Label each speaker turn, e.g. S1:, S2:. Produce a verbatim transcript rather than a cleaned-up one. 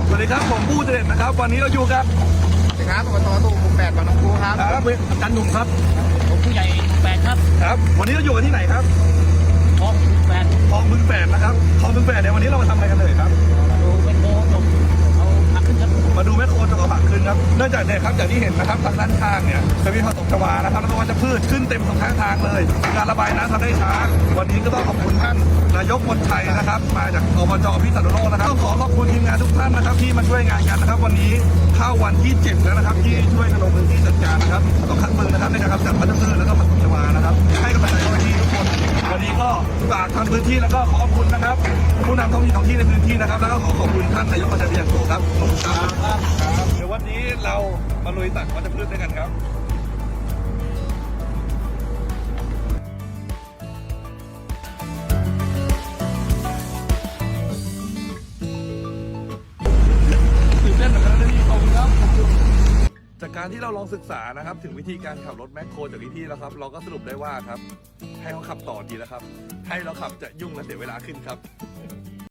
S1: สวัสดีครับผมผู้เจริญนะครับวันนี้เราอยู่กับ
S2: สวัสดีครับอบตตู้หมู่แปดบางน้ำพูครับ
S1: ครับอาจารย์หนุ่มครับ
S3: ผมผู้ใหญ่แปดครับ
S1: ครับ วันนี้เราอยู่กันที่ไหนครับ
S3: ท้องแปด
S1: คลองบึงแปดนะครับคลองบึงแปดเนี่ยวันนี้เรามาทำอะไรกันเลยครับ
S3: ดูเป็นโบจบเอาผักขึ้นครับ
S1: มาดูแมคโครจกกระผักขึ้นครับเนื่องจากเนี่ยครับอย่างที่เห็นนะครับทางด้านข้างเนี่ยจะมีผสมชวานะครับแล้วก็วัชพืชขึ้นเต็มสองข้างทางเลยการระบายน้ำทำได้ช้าวันนี้ก็ต้องขอบคุณท่านนายกมนชัยนะครับมาจากอบจพิษณุโลกนะครับต้องขอขอบคุณทีมงานทุกท่านนะครับที่มาช่วยงานกันนะครับ วันนี้เข้าวันที่เจ็ดแล้วนะครับที่ช่วยกันลงพื้นที่จัดการนะครับต้องขัดมือนะครับในการกำจัดวัชพืชแล้วก็ผสมชวานะครับให้กำลังใจเจ้าหน้าที่ทุกคนวันนี้ก็ฝากทางพื้นที่แล้วก็ขอบคุณนะครับผู้นำท้องถิ่นท้องที่ในพื้นที่นะครับแล้วก็ขอขอบคุณท่านนายกมนชัยเป็นอย่างสูงครับขอบคุณครับเดี๋ยววันนี้เรามาลุยตัดวัชพืชด้วยกันครับตื่นเต้นเหมือนกันนะพี่ขอบคุณครับจากการที่เราลองศึกษานะครับถึงวิธีการขับรถแมคโครจากพี่ๆแล้วครับเราก็สรุปได้ว่าครับให้เขาขับต่อดีแล้วครับให้เราขับจะยุ่งและเสียเวลาขึ้นครับ